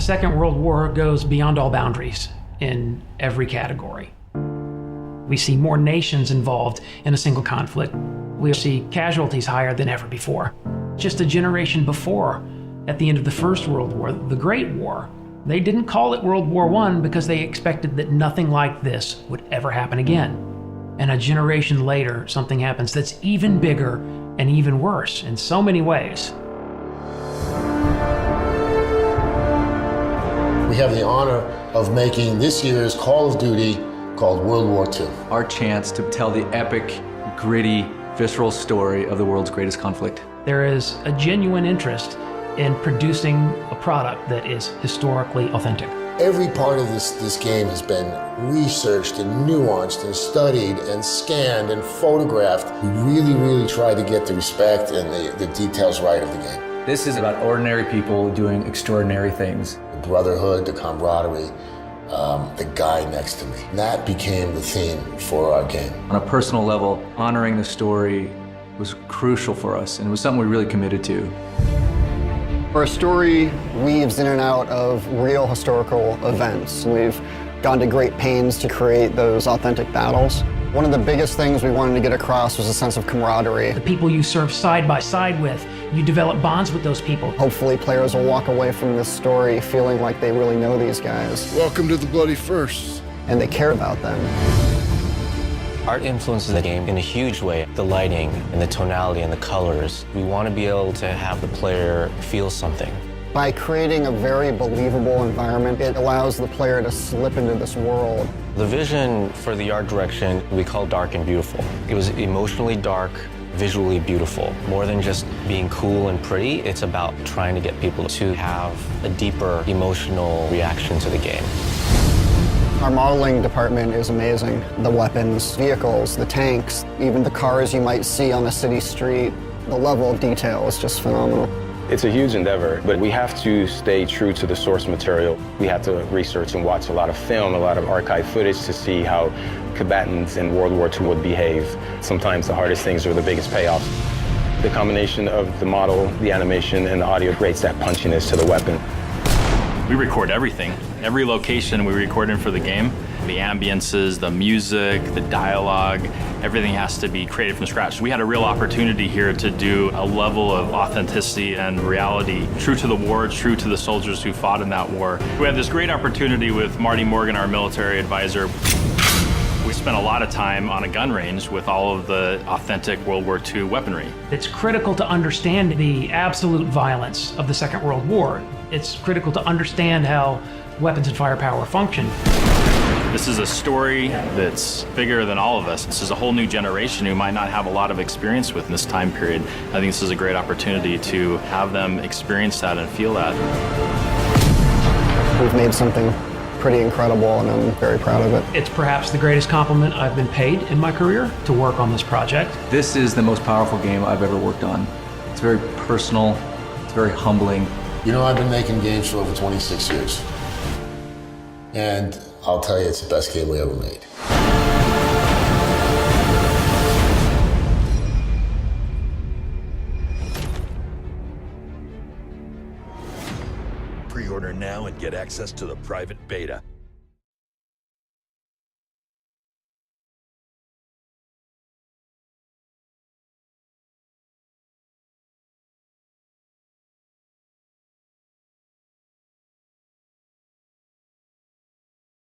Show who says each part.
Speaker 1: Second World War goes beyond all boundaries in every category. We see more nations involved in a single conflict. We see casualties higher than ever before. Just a generation before, at the end of the First World War, the Great War, they didn't call it World War I because they expected that nothing like this would ever happen again. And a generation later, something happens that's even bigger and even worse in so many ways.
Speaker 2: We have the honor of making this year's Call of Duty called World War II.
Speaker 3: Our chance to tell the epic, gritty, visceral story of the world's greatest conflict.
Speaker 1: There is a genuine interest in producing a product that is historically authentic.
Speaker 2: Every part of this game has been researched and nuanced and studied and scanned and photographed. We really tried to get the respect and the details right of the game.
Speaker 3: This is about ordinary people doing extraordinary things.
Speaker 2: The brotherhood, the camaraderie, the guy next to me. And that became the theme for our game.
Speaker 3: On a personal level, honoring the story was crucial for us, and it was something we really committed to.
Speaker 4: Our story weaves in and out of real historical events. We've gone to great pains to create those authentic battles. One of the biggest things we wanted to get across was a sense of camaraderie.
Speaker 1: The people you serve side by side with, you develop bonds with those people.
Speaker 4: Hopefully players will walk away from this story feeling like they really know these guys.
Speaker 5: Welcome to the Bloody First.
Speaker 4: And they care about them.
Speaker 6: Art influences the game in a huge way. The lighting and the tonality and the colors. We want to be able to have the player feel something.
Speaker 4: By creating a very believable environment, it allows the player to slip into this world.
Speaker 6: The vision for the art direction we call dark and beautiful. It was emotionally dark, visually beautiful. More than just being cool and pretty, it's about trying to get people to have a deeper emotional reaction to the game.
Speaker 4: Our modeling department is amazing. The weapons, vehicles, the tanks, even the cars you might see on a city street. The level of detail is just phenomenal.
Speaker 7: It's a huge endeavor, but we have to stay true to the source material. We have to research and watch a lot of film, a lot of archive footage to see how combatants in World War II would behave. Sometimes the hardest things are the biggest payoffs. The combination of the model, the animation, and the audio creates that punchiness to the weapon.
Speaker 8: We record everything. Every location we record in for the game. The ambiences, the music, the dialogue, everything has to be created from scratch. We had a real opportunity here to do a level of authenticity and reality, true to the war, true to the soldiers who fought in that war. We had this great opportunity with Marty Morgan, our military advisor. We spent a lot of time on a gun range with all of the authentic World War II weaponry.
Speaker 1: It's critical to understand the absolute violence of the Second World War. It's critical to understand how weapons and firepower function.
Speaker 8: This is a story that's bigger than all of us. This is a whole new generation who might not have a lot of experience with in this time period. I think this is a great opportunity to have them experience that and feel that.
Speaker 4: We've made something pretty incredible, and I'm very proud of it.
Speaker 1: It's perhaps the greatest compliment I've been paid in my career to work on this project.
Speaker 3: This is the most powerful game I've ever worked on. It's very personal, it's very humbling.
Speaker 2: You know, I've been making games for over 26 years. And I'll tell you, it's the best game we ever made.
Speaker 9: Pre-order now and get access to the private beta.